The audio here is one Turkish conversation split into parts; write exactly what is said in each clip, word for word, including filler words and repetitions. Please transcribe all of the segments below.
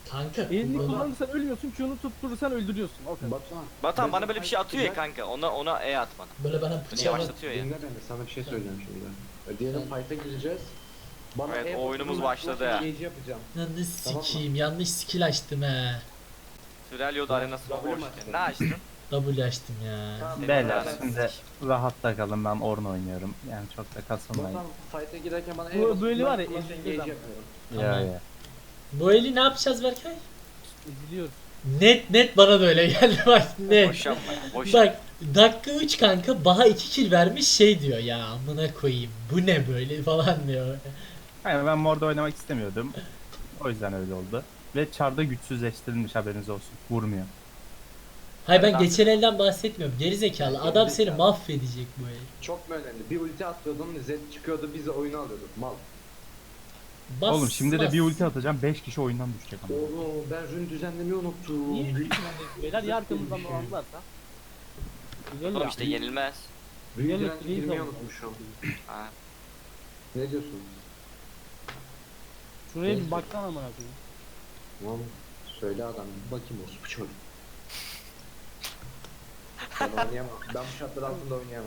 Kanka Elini bunu- kullanırsan ölmüyorsun, Q'nu tutturursan öldürüyorsun. O kadar. Batuhan. Batuhan bana ben böyle bir sana şey atıyor ya güzel- kanka. Ona ona E at bana. böyle bana Beni bıçağı yavaşlatıyor ya. Dinle beni, sana bir şey söyleyeceğim şimdi. E, Diyelim fight'a gireceğiz. Bana Evet, E o oyunumuz basılı başladı bırakma, ya. engage yapacağım. yanlış Tamam mı? sikiyim, yanlış skill açtım he. Sürelio da arenası W boş. mu açtın? Ne açtın? W açtım ya. Tamam, Beyler, Beyler Batuhan, şimdi rahatta kalın, ben Ornn oynuyorum. Yani çok da kasılmayın. Batuhan fight'a girerken bana Bu- E basılı böyle var ya, bırakma, ezildi engage adam. yapıyorum. Ya Tamam. ya. Bu eli ne yapacağız Berkay? İzliyoruz. Net net bana da öyle geldi bak net. Boş yapma ya. Boş yapma. Bak dakika üç kanka Baha iki kill vermiş şey diyor ya amına koyayım bu ne böyle falan diyor. Yani ben Mord'da oynamak istemiyordum. O yüzden öyle oldu. Ve Char'da güçsüzleştirilmiş, haberiniz olsun. Vurmuyor. Hayır ben Ben- geçen elden bahsetmiyorum gerizekalı adam seni mahvedecek bu el. Çok mu önemli? Bir ulti atıyordun, Zed çıkıyordu, biz de oyunu alıyorduk. Mal. Bas, Oğlum şimdi bas. de bir ulti atacağım, beş kişi oyundan düşecek ama. Oğlum ben rün düzenlemeyi unuttum. Niye? Beyler ya arkamızdan dolandılarsa. Güzel Oğlum ya. işte yenilmez. Rün Gel- direnci gel- girmeyi gel- unutmuşum. Ha. Ne diyorsun? Şuraya bir baksana amına koyayım. Tamam. Söyle adam, bir bakayım olsun bu çocuk. Ben oynayamam. Ben bu şartlar altında oynayamam.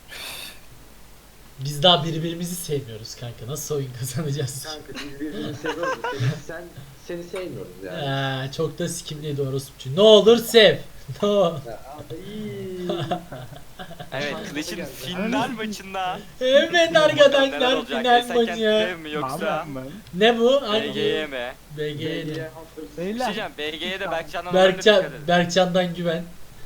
Biz daha birbirimizi sevmiyoruz kanka nasıl oyun kazanacağız? Kanka biz birbirini seviyoruz. Seni, sen, seni sevmiyoruz yani. Ee, çok da sikimliydi orospu. Ne olur sev. No. Ya, iyi. Evet Clash'in final maçında. Evet Neler arkadaşlar olacak? final Esenken maçı. dev mi yoksa Ne bu? B G Y Hangi? mi? B G Y. Hunters. Bir şey Beyler. diyeceğim, B G'ye de Berkcan'dan önemli dikkat Berkcan, edin. Berkcan'dan güven.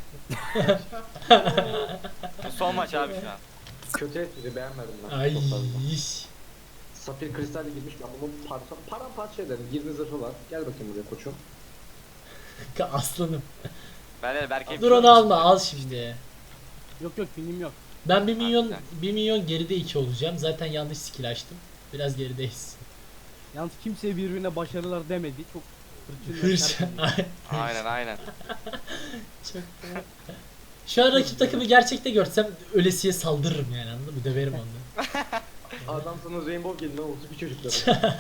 Bu son maç abi şu an. Kötü espri beğenmedim ben. Ay. Çok fazla. Safir kristalle girmiş, ben bunu parça, paramparça ederim. yirmi zırhı var. Gel bakayım buraya koçum. Aslanım. Ben de Berk'e Dur onu alma al şimdi. Yok yok film yok. Ben bir milyon Harbiden. bir milyon geride iki olacağım. Zaten yanlış skill açtım. Biraz gerideyiz. Yalnız kimseye birbirine başarılar demedi. Çok hırçın. Hırç. sert. Aynen aynen. Çok Şu an rakip takımı gerçekte görsem ölesiye saldırırım yani anladın mı? Döverim onu. Adam sana Rainbow gelin lan olsun bir çocuklar.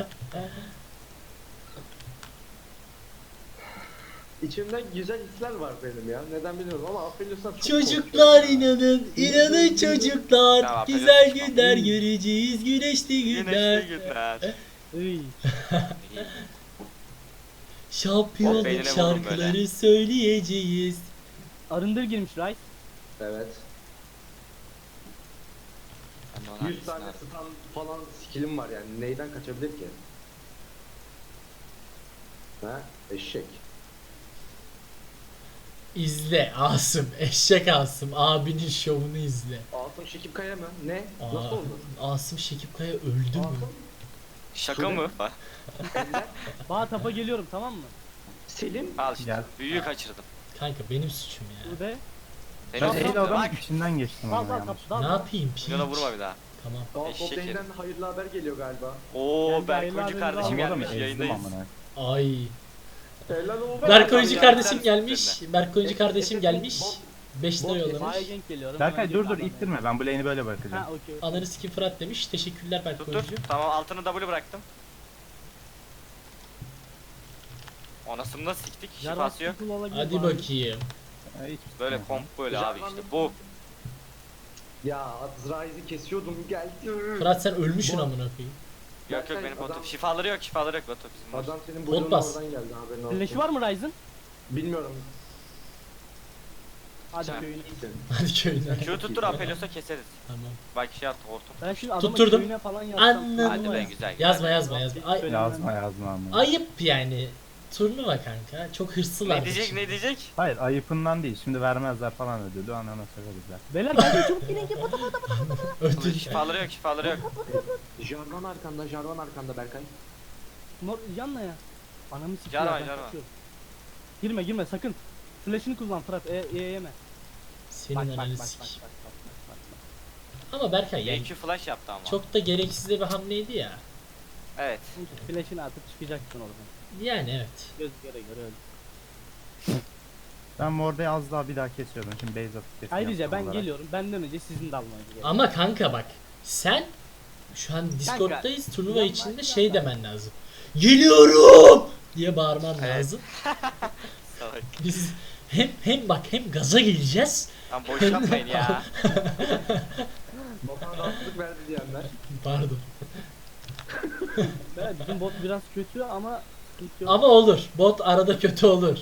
İçimden güzel hisler var benim ya. Neden bilmiyorum ama Aphelios'tan çok Çocuklar korkuyorum ya. inanın, inanın çocuklar. Tamam, Güzel Pelin, günler göreceğiz, güneşli günler. Güneşli günler. Iy. Hop, Şampiyonluk beynine vurdum şarkıları böyle. söyleyeceğiz. Arındır girmiş Rice. Evet. Ben de ona yüz tane hangisini stun falan skillim var yani. Neyden kaçabilir ki? Ha? Eşek. İzle Asım, eşek Asım, abinin şovunu izle. Asım Şekip Kaya mı? Ne? Aa, Nasıl oldu? Asım Şekip Kaya öldü mü? Asım? Şaka mı? Ender? Bağ tapa geliyorum tamam mı? Selim? Al işte. Gel. Büyüyü kaçırdım. Kanka benim suçum ya. Şurada. Seni Ben Tamam, eyle sevdim. adamın Bak. içinden geçtim Dal ama dal yanlış. kap dal. Ne dal. yapayım piç? Milyona vurma bir daha. Tamam. Galpop Eşek Bey'den hayırlı haber geliyor galiba. Oo Geldi, Berk hayırlı Hoca haberler kardeşim var. Adamı gelmiş ezdim yayındayız. amına. Ay. Helal olsun. Berk Oyuncu ya, kardeşim sen gelmiş. üstlerine. Berk Oyuncu Efe- kardeşim Efe- gelmiş. Bot- beş lira bot- yollamış. Bağ'a gank geliyorum. Berkay hemen dur dur girdim ittirme, ben bu lane'i böyle Ha bırakacağım. okey. Ananı sikim Fırat demiş. Teşekkürler Berk Dur dur. Oyuncu. Tamam altını W bıraktım. Anasını da siktik. Şifası yok. Hadi bakayım. Ya, hiç Böyle istemem. komp böyle abi Jarvan işte bir- bu. Ya Azrail'i kesiyordum geldi. Fırat sen ölmüşsün Bu- amına koyayım. Yok yok benim botum. Şifaları yok şifaları yok Batu bizim var. Adam senin Pot boyunun bas. oradan geldi haberin olsun. Flash'ı var mı Ryze'ın? Bilmiyorum. Hadi Sen- köyüne. Hadi köyüne. Q tuttur Apelios'a keseriz. Tamam. Bak şey attı hortum. Ben şimdi adamın Tutturdum. köyüne falan yazsam. Anladım. Hadi be güzel. güzel. Yazma yazma yazma. Ay, Yazma yazma ama. ayıp yani. Turnuva kanka. Çok hırslılar. Ne diyecek ne diyecek? Hayır ayıpından değil, şimdi vermezler falan ödülü, anana söyleriz. Beyler geldi çabuk gelin ki pata pata. Ödül. Şifaları yok şifaları yok. Jarvan arkanda, Jarvan arkanda Berkay. Nor yanla ya. Anamı sikiyor. Jarvan, ben Jarvan. kaçıyorum. Girme girme sakın. Flash'ını kullan Fırat. E, e yeme. Senin Bak bak bak ananı bak bak sik. bak bak bak. Ama Berkay yani E Q flash yaptı ama. çok da gereksiz de bir hamleydi ya. Evet. Çünkü flash'ını atıp çıkacaksın oradan. Yani evet. Göz göre göre öyle. Ben Morda'yı az daha bir daha kesiyorum, şimdi base atıp kesiyorum. Ayrıca ben olarak. geliyorum. Benden önce sizin de almanız gerekiyor. Ama kanka bak sen şu an Discord'dayız turnuva yapma, içinde yapma. şey demen lazım. Geliyorum diye bağırman Evet. lazım. Salak. Biz hem hem bak hem gaza geleceğiz. Lan boş yapmayın ya. Batuhan rahatsızlık verdi diyenler. Pardon. Evet, bizim bot biraz kötü ama sıkıntı yok. Ama olur. Bot arada kötü olur.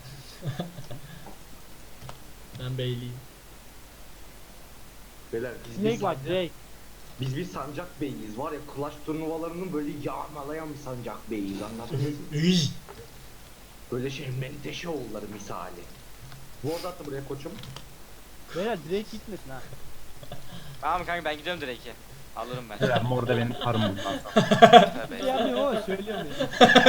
Ben beyliyim. Beyler biz Snake bir var sancak, Drake. biz bir sancak beyiz var ya, Clash turnuvalarının böyle yağmalayan bir sancak beyiz, anladınız mı? Üy. Böyle şey menteşe oğulları misali. Ward attı buraya koçum. Beyler Drake gitmesin ha. Tamam kanka ben gidiyorum direk'e. Alırım ben. Beyler morda benim karım bundan sonra. Bir şey Tövbe. yapmıyorum ama söylüyorum ya.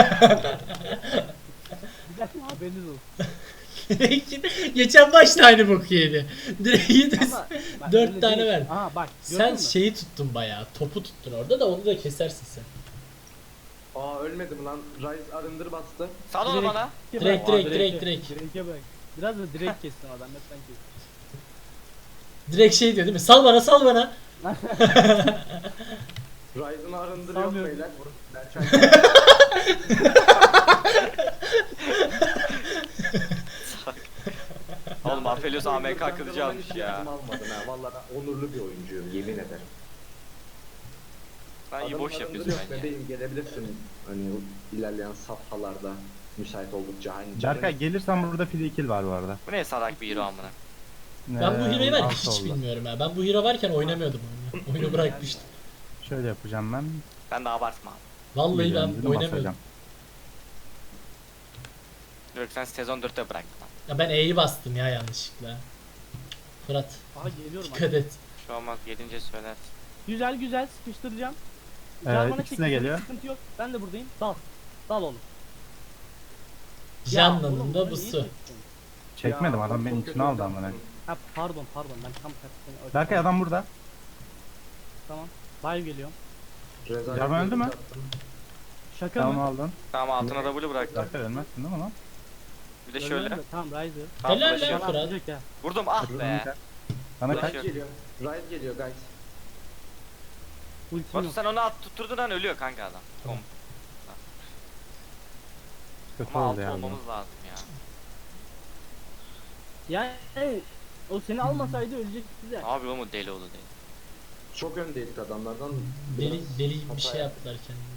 Güzel haberiniz olsun. Geçen başta aynı boku yedi. Direği de Ama bak, dört öyle tane değil. ver. Aha bak Sen gördün mü? şeyi tuttun bayağı. Topu tuttun orada da onu da kesersin sen. Aa ölmedim lan. Rise arındır bastı. Sal onu Direkt- bana. Direkt, Aa, direkt, Drake'e- direkt, direkt. Drake'e bak. Biraz da direkt kessin adam hep ben kestim. Direkt şey diyor değil mi? Sal bana, sal bana. Rise'ın arındırı yok Sanmıyorum. beyler. Berçay. Oğlum Aphelios A M K Ben kılıcı ben almış hiç ya. yardım almadım ha. Vallahi ben onurlu bir oyuncuyum, yemin ederim. Sen iyi Adamın boş arındırı yapıyorsun yok bence. bebeğim, gelebilirsin. Hani ilerleyen safhalarda müsait oldukça. Hani Berkay gelirsen burada free kill var bu arada. Bu ne salak bir hero amına. Ben bu Ee, hero'yu var ya, alt hiç oldu. bilmiyorum ha. Ben bu hero varken oynamıyordum oyunu. Oyunu bırakmıştım. Şöyle yapacağım ben. Ben de abartma. Vallahi Biliyorum, ben dedim, oynamıyordum. basacağım. Yok sen sezon dörtte bıraktın lan. Ya ben E'yi bastım ya yanlışlıkla. Fırat Aha geliyorum. dikkat et. Şu olmaz gelince söyler. Güzel güzel sıkıştıracağım. Evet, Jarvan'a ikisi de çektim, geliyor. Sıkıntı yok. Ben de buradayım. Dal. Dal oğlum. Ya Canlanın oğlum, da bunu bu niye su. çektin? Çekmedim Ya, adam çok benim kötü içine aldı oynadım. amına. Ha pardon pardon ben tam tersten. Berkay adam burada. Tamam. Live geliyorum. Rezalet Jarvan öldü mü? yaptım. Şaka Tamam mı? aldın. Tamam altına W bıraktım. Berkay ölmezsin değil mi lan? Bir de Ölmem şöyle. de, Tamam Riser. Tam Helal flash'ı lan. yok. Bana Fırat. atacak ya. Vurdum ah be. Sana Flash kaç? yok. Rise geliyor. Rise geliyor guys. Ultim Batu yok. sen onu at tutturdun an ölüyor kanka adam. Tamam. Kötü Ama oldu altı ya. olmamız lazım ya. Yani o seni almasaydı ölecek size. Abi o mu deli oldu değil. Çok öndeydik adamlardan. Deli, Biraz deli bir hata şey yaptık. yaptılar kendine.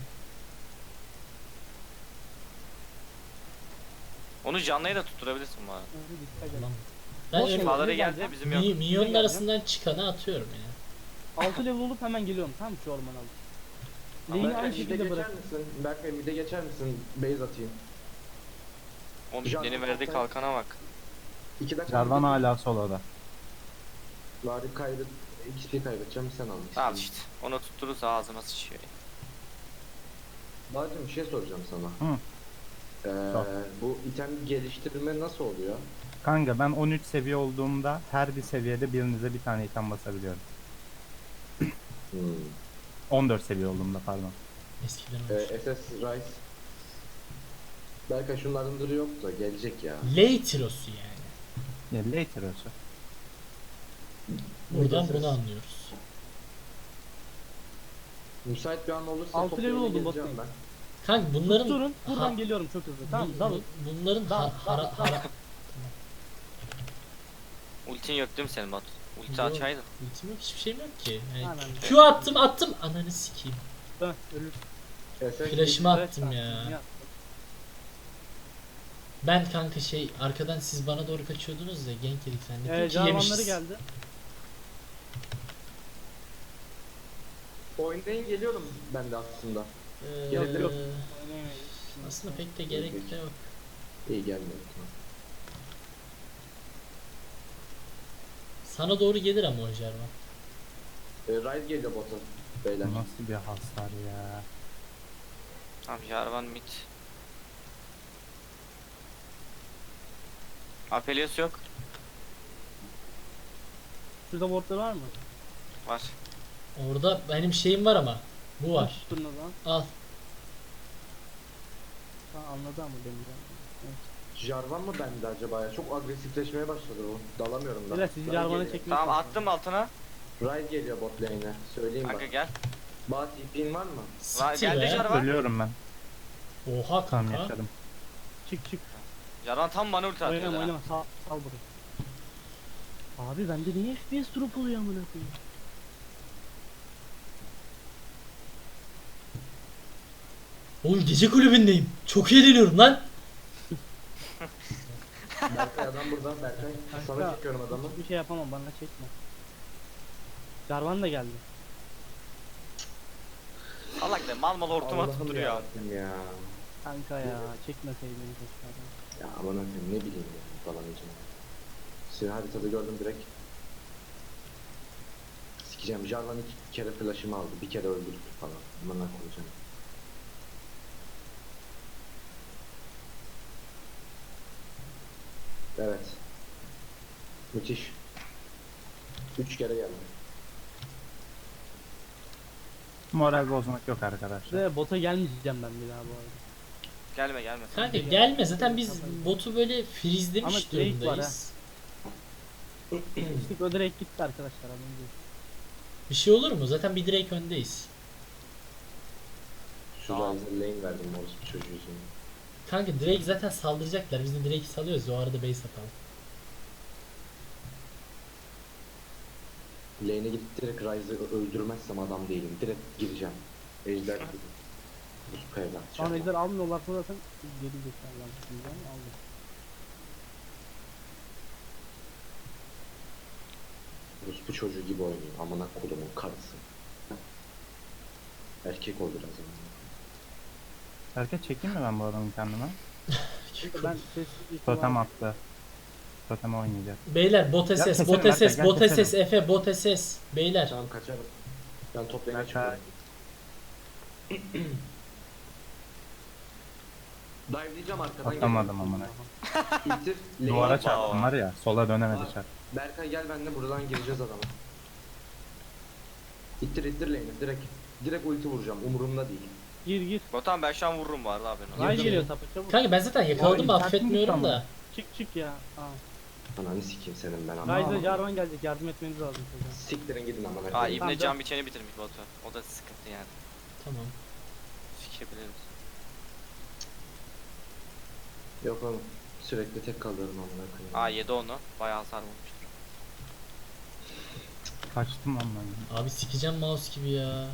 Onu canlıya da tutturabilirsin bu arada. Dikkat et. Tamam. Ben Boş öyle- ver. Şifaları ne geldi geldi? bizim yok. mi, minyonun geleceğim. arasından çıkanı atıyorum ya. altı level olup hemen geliyorum tamam mı şu ormana alıp. Lane'i Berkay aynı mid'e şekilde geçer bırak. misin? Berkay mid'e geçer misin? Base atayım. O Can- midlerin verdiği kalkana bak. İki dakika. Jarvan hala soloda. Bari kaybet. X P kaybedeceğim, sen al. Tamam işte. Onu tutturursa ağzıma sıçıyor. ya. Bacım bir şey soracağım sana. Hı. Ee, Sor. bu item geliştirme nasıl oluyor? Kanka ben on üç seviye olduğumda her bir seviyede birinize bir tane item basabiliyorum. Hmm. on dört seviye olduğumda pardon. Eskiden Ee, olmuş. S S Rise. Berkay şunların duru yok da gelecek ya. Leitiros'u yani. Ya later olsun. Buradan Ses. bunu anlıyoruz. Müsait bir an olursa Altı toplayıp level oldum geleceğim botlayın. ben. Kanka bunların Durun buradan Ha- geliyorum çok hızlı. Tamam bu- dalın. bu- bunların Dal, ha- dal, hara, dal. hara, Ultin yok değil mi senin Batu? Ulti Yok. açaydın. ultim yok, hiçbir şeyim yok ki. Yani Aynen. Q attım attım ananı sikeyim. Dön ölür. S S Flash'ımı Evet, attım tamam, ya. Ben kanka şey arkadan siz bana doğru kaçıyordunuz ya gank yedik zannettim Ee, ki Jarvanları yemişiz. geldi. Oynayın, geliyorum ben de aslında. Ee, Yok, yok. Aslında pek de gerek de yok. İyi gelmiyor. Sana doğru gelir ama o Jarvan. Ee, Rise geliyor bota beyler. Bu nasıl bir hasar ya. Tamam Jarvan mid. Aphelios yok. Şurada wardlar var mı? Var. Orada benim şeyim var ama. Bu var. Tutun o zaman. Al. Tamam anladı ama beni. Jarvan mı bende acaba ya? Çok agresifleşmeye başladı o. Dalamıyorum da. Biraz sizi Rise Jarvan'a geliyor. çekmek Tamam attım altına. Rise geliyor bot lane'e. Söyleyeyim Kanka bak. gel. Bat ipin var mı? Lan Siktir geldi be. Jarvan. Ölüyorum ben. Oha Tamam kanka. yaşadım. çık çık. Jarvan tam bana ulti atıyor. Oynama ha. oynama sal, sal burayı. Abi bende niye F P S drop oluyor amına koyayım? Oğlum gece kulübündeyim. Çok eğleniyorum lan. Berkay adam burada. Berkay sana Kanka, çekiyorum adamı. hiçbir şey yapamam bana çekme. Jarvan da geldi. Salak de mal mal hortum atıp Allah'ım duruyor. yarabbim ya. Kanka ya çekmeseydin keşke. Ya aman akım ne bileyim ya falan için. Seni haritada gördüm direkt. Sikeceğim. Jarvan iki kere flash'ımı aldı. Bir kere öldürdü falan. Aman koyacağım. Evet. Müthiş. Üç kere geldi. Moral bozmak yok arkadaşlar. Ve bota gelmeyeceğim ben bir daha bu arada. Gelme gelme. Kanka gelme zaten biz botu böyle Ama freezelemiş Drake var durumdayız. İşte o direkt gitti arkadaşlar. haberiniz olsun. Bir şey olur mu? Zaten bir direkt öndeyiz. Şu Tamam. Ryzer lane verdim orospu çocuğu yüzünden. Kanka Drake zaten saldıracaklar. Biz de Drake'i salıyoruz. O arada base atalım. Lane'e gidip direkt Ryzer'ı öldürmezsem adam değilim. Direkt gireceğim. Ejder gibi. Bu kayada. Şu an ejder almıyorlarsa zaten geri zekalar diyeceğim aldım. Rus bu çocuğu gibi oynuyor. Amına kodumun karısı. Erkek ol biraz ama. Erkek çekeyim mi ben bu adamı kendime? Çünkü ben sessizlik Totem attı. Totem oynayacak. Beyler bot Gel S S, keselim bot Berkay, S S, gel bot S S, keselim. Efe, bot S S. Beyler. Tamam kaçarım. Ben top lane'e Berkay. çıkıyorum. Dive diyeceğim arkadan Atamadım amına. geliyorum. İttir. lane'e Duvara git. çarptım var ya. Sola dönemedi Var. çarp. Berkay gel benimle buradan gireceğiz adama. İttir ittir lane'i direkt. Direkt ulti vuracağım umurumda değil. Gir gir. Botan ben şu an vururum bu arada haberin olsun. Ray Girdim. geliyor tapa çabuk. Kanka ben zaten yakaladım Oy, affetmiyorum sen da. Çık çık ya. Aa. Ananı sikeyim senin ben ama. Ryze Jarvan gelecek yardım etmeniz lazım çocuğa. Siktirin gidin amına Aa koyayım. İbne Tamam, can biçeni bitirmiş botu. O da sıkıntı yani. Tamam. Sikebiliriz. Yok oğlum. Sürekli tek kalıyorum amına koyayım. Aa yedi onu. Bayağı hasar vurmuştur. Kaçtım lan ben. Abi sikeceğim mouse gibi ya.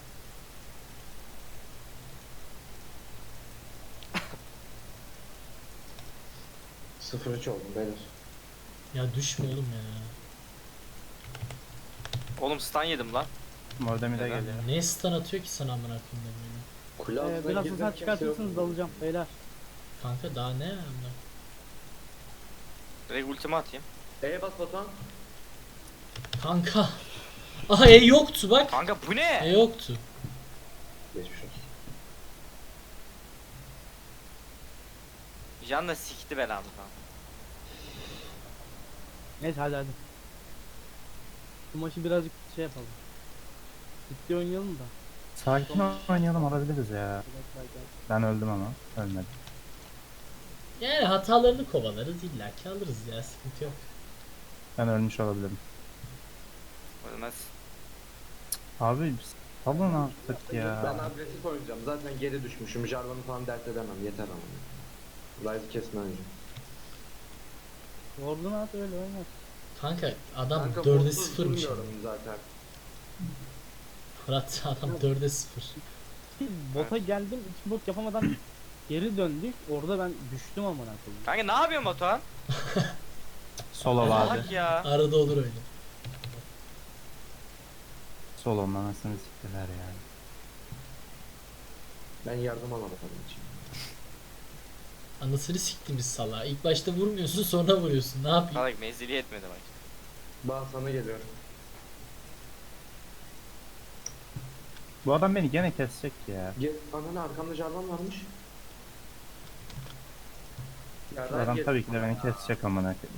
sıfır üç oldum beyler. Ya düşme oğlum ya. Oğlum stun yedim lan. Mordem'i de Neden? geliyor. Ne stun atıyor ki sana amına koyayım böyle. Kule Ee, altına biraz girdim, hasar kimse çıkartırsanız yok. dalacağım beyler. Kanka daha ne amına. Direkt ultimi atayım. E'ye bas Batuhan. Kanka. Aha E yoktu bak. Kanka bu E ne? yoktu. Geçmiş olsun. Can da sikti belamı falan. Neyse hadi hadi. Bu maçı birazcık şey yapalım. Ciddi oynayalım da. Sakin oynayalım alabiliriz ya. Ben öldüm ama. Ölmedim. Yani hatalarını kovalarız illa ki alırız ya sıkıntı yok. Ben ölmüş olabilirim. Ölmez. Abi salın artık Ben ya. agresif oynayacağım. Zaten geri düşmüşüm. Jarvan'ı falan dert edemem. Yeter ama. Ryze'ı kesme önce. Ward'unu at öyle oynat. Kanka adam Kanka, dörde botsuz sıfırmış. durmuyorum zaten. Fırat adam dörde sıfır. Bota geldim iki bot yapamadan geri döndük. Orada ben düştüm amına koyayım. Kanka ne yapıyorsun Batuhan? Solo vardı. Salak ya. Arada olur öyle. Solo'nun anasını siktiler ya. Ben yardım alamadım için. Anasını siktimiz salağa. İlk başta vurmuyorsun sonra vuruyorsun. Ne yapayım? Salak menzili yetmedi bak. Bağ sana geliyorum. Bu adam beni gene kesecek ya. Gel, ananı arkamda Jarvan varmış. Ya Bu adam Ryze, tabii ki de beni kesecek amına koyayım.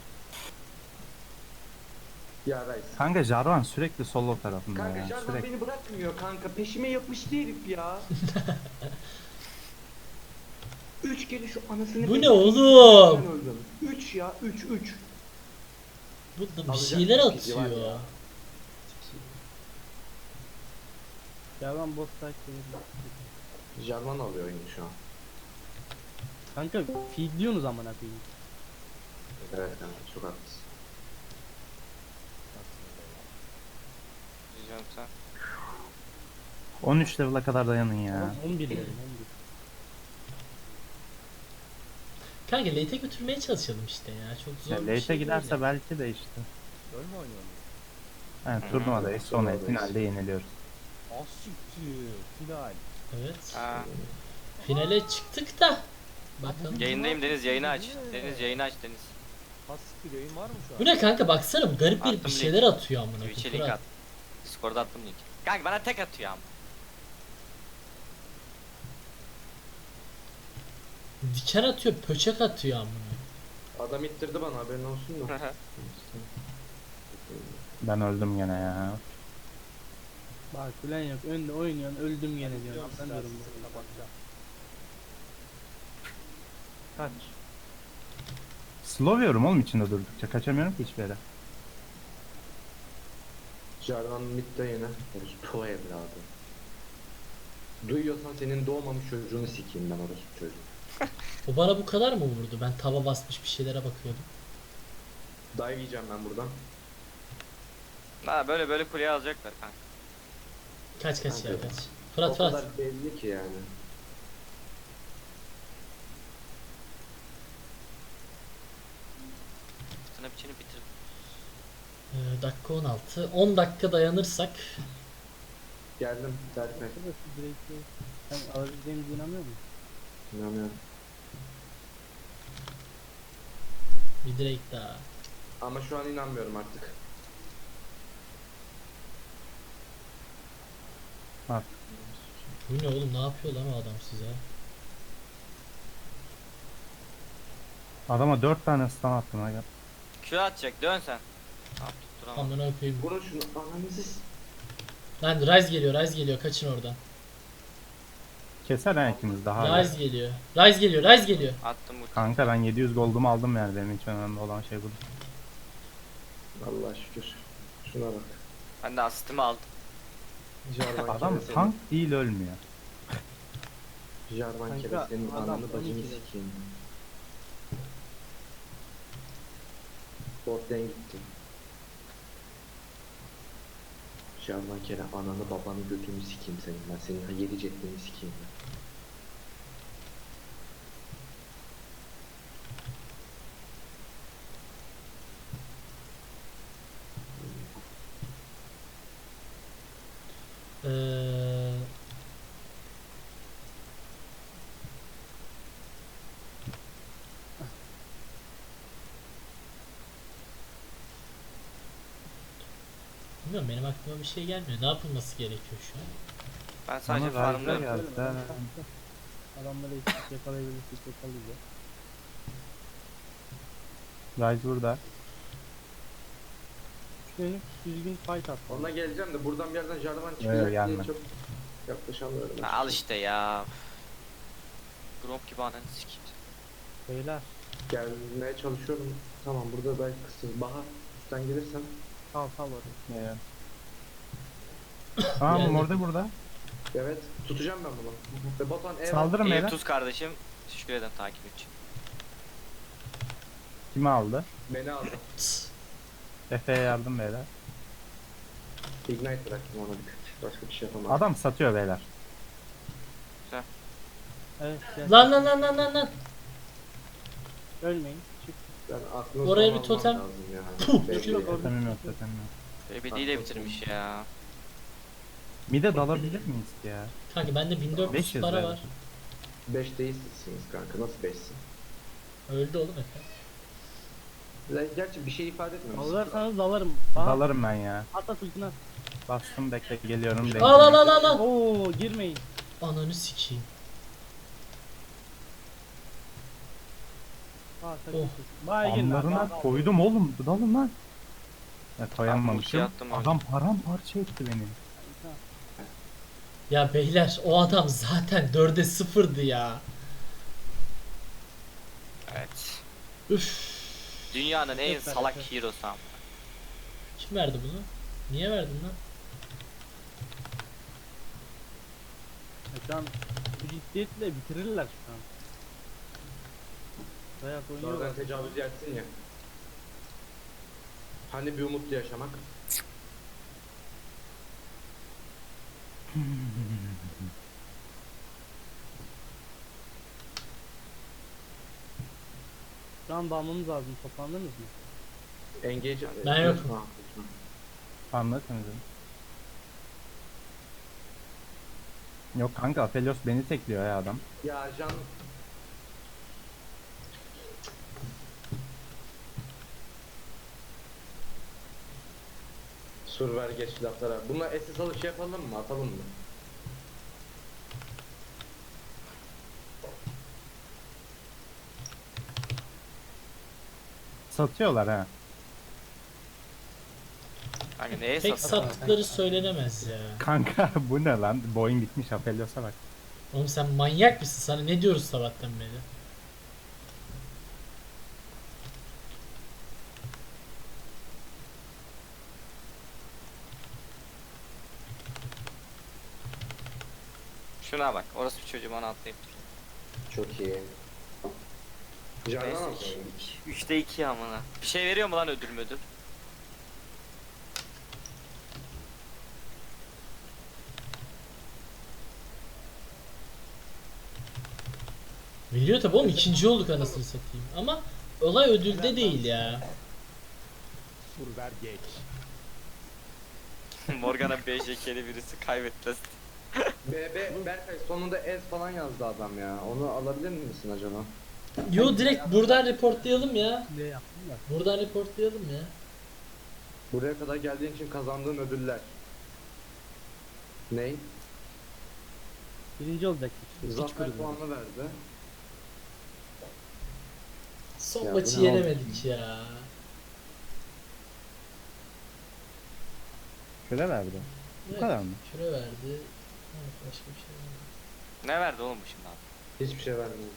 ya Ryze. Kanka Jarvan sürekli solo tarafında Kanka ya. Jarvan Sürekli. beni bırakmıyor kanka. Peşime yapıştı herif ya. Üç kere şu anasını... Bu ne oğlum? Ben öldüm. Üç ya, üç, üç. Bu da bir Alacak şeyler bir şey var atıyor. ya. Ya ben bot takip ediyorum. Jarvan alıyor oyunu şu an. Kanka feedliyorsunuz amına koyayım. Evet kanka çok haklısın. Diyeceğim sen. on üç level'a kadar dayanın ya. Oğlum on bir level on bir. Kanka late'e götürmeye çalışalım işte ya. Çok zor Ya bir late'e şey giderse değil. belki de işte. Öl mü oynuyorsun? Yani Hı hı. turnuvadayız sonra Turnuvadayız. finalde yeniliyoruz. Az siktir. Final. Evet. Ha. Finale çıktık da. Bakalım. Yayındayım Deniz, yayını aç. Deniz yayını aç Deniz. Az siktir yayın var mı şu an? Bu ne kanka baksana bu garip bir, Attım bir link. şeyler atıyor amına Twitch'e koyayım. link Fırat. at. Discord'a attım link. Kanka bana tek atıyor ama. Diken atıyor, pöçek atıyor amına. Adam ittirdi bana haberin olsun da. Ben öldüm gene ya. Bak plan yok önde oynuyorsun öldüm gene diyorsun. Ben diyorum Sesini kapatacağım. Kaç. Slow'yorum oğlum içinde durdukça. Kaçamıyorum ki hiçbir yere. Jarvan midde yine. Orospu evladı. Duyuyorsan senin doğmamış çocuğunu sikeyim ben orospu çocuğu. O bana bu kadar mı vurdu? Ben tava basmış bir şeylere bakıyordum. Dive yiyeceğim ben buradan. Ha böyle böyle kuleye alacaklar kanka. Kaç kaç ya Kanka, kaç. o Fırat Fırat. kadar belli ki yani. Sana biçini bitir. Ee, dakika on altı. on dakika dayanırsak. Geldim Berkay. Arkadaş şu direkt'i sen alabileceğimize inanmıyor musun? İnanıyorum. Bir direkt daha. Ama şu an inanmıyorum artık. Bu ne oğlum ne yapıyor lan o adam size? Adama dört tane stun attım aga. Q atacak dön sen. Tamam tutturamam. Amına koyayım. Vurun şunu ananızı s- Lan Rise geliyor Rise geliyor kaçın oradan. Keser ha ikimiz daha. Rise geliyor. Rise geliyor Rise geliyor. Attım bu. Kanka ben yedi yüz goldumu aldım yani benim için önemli olan şey bu. Allah şükür. Şuna bak. Ben de asistimi aldım. Jarvan Adam kere tank değil ölmüyor. senin. Jarvan Kanka, kere senin adam ananı bacını on ikide. sikeyim. Bot lane gitti. Jarvan kere ananı babanı götünü sikeyim senin ben. Senin yedi cetlini sikeyim ben. Ee, Bilmiyorum benim aklıma bir şey gelmiyor. Ne yapılması gerekiyor şu an? Ben sadece Bana Ryze'da farmlıyorum. geldi. Söyle bakalım kanka. Adamları eksik yakalayabilirsek yakalayacağız. Ryze burada. Üstlenik düzgün fight at. Ona geleceğim de buradan bir yerden Jarvan Yok, çıkacak diye gelme. çok yaklaşamıyorum. Ha, al işte ya. Gromp gibi ananı sikeyim. Beyler Gelmeye çalışıyorum. Tamam burada belki kısız. Bahar üstten gelirsen. sal sal oraya. Evet. Tamam Yani- orada burada. Evet tutacağım ben bunu. Ve Batuhan ev Saldırın İyi beyler. tuz kardeşim. Teşekkür ederim takip için. Kimi aldı? beni aldı. Tıs. Efe'ye yardım beyler. Ignite bıraktım ona bir tık. Başka bir şey yapamam. Adam satıyor beyler. Evet gel. Lan lan lan lan lan lan. Ölmeyin. Çık. Ben aklını Oraya sonra bir almam totem. lazım ya. Puh, Belli yok, yani. orada- Totemim yok totemim yok. Baby D ile bitirmiş ya. Mide dalabilir miyiz ki ya? Kanka bende bin dört yüz beş yüz para ver. var. Beş değilsiniz kanka. Nasıl beşsin? Öldü oğlum Efe. Lan Gerçi bir şey ifade etmiyor. Alırsanız dalarım. Bak. Dalarım ben ya. At at ultini at. Bastım bekle geliyorum. Al al al al al. Oo girmeyin. Ananı sikeyim. Aa Oh. takıl. Bay girin abi. Anlarına al. koydum oğlum. Dalın lan. Ya Ben koyamamışım. bu attım öyle. Adam paramparça etti beni. Ya beyler o adam zaten dörde sıfırdı ya. Evet. Üf. Dünyanın en Evet, salak evet. hero'su ama. Kim verdi bunu? Niye verdin lan? Şu an bu ciddiyetle bitirirler şu an. Dayak oynuyorlar. Sonradan tecavüz yersin ya. Hani bir umutlu yaşamak. Şu an dalmamız lazım. Toplandınız mı? Engage... Ben yokum. Ha, Anlatın. Yok kanka, Aphelios beni tekliyor ya adam. ya Can... Sur ver geç laflara. Bununla S S alıp şey yapalım mı? Atalım mı? Satıyorlar ha. Kanka neye Pek satalım? sattıkları söylenemez ya. Kanka bu ne lan? Boyun bitmiş, Aphelios'a bak. Oğlum sen manyak mısın? Sana ne diyoruz sabahtan beri? Şuna bak. Orası bir çocuğum onu atlayıp. Çok iyi. Candan Neyse. al. Üçte iki amına. Bir şey veriyor mu lan ödül müdül? Biliyor tabi oğlum, ikinci olduk anasını satayım. Ama olay ödülde değil ya. Sur ver geç. Morgana B J K'li birisi kaybetti. B B Berkay sonunda S falan yazdı adam ya. Onu alabilir misin acaba? Yo, direkt buradan reportlayalım ya. Ne yaptım da. Buradan reportlayalım ya. Buraya kadar geldiğin için kazandığın ödüller. Ney? Birinci olacaktık işte. Hiç Zafer kırılmadı. puanı verdi. Son Ya maçı bu ne yenemedik ya. Şöyle verdi. Bu Evet, kadar mı? Küre verdi. Evet, başka bir şey verdi. Ne verdi oğlum bu şimdi abi? Hiçbir şey vermiyor.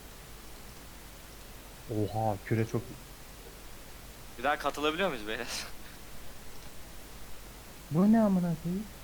Oha, küre çok... Bir daha katılabiliyor muyuz beyler? Bu ne amına koyayım?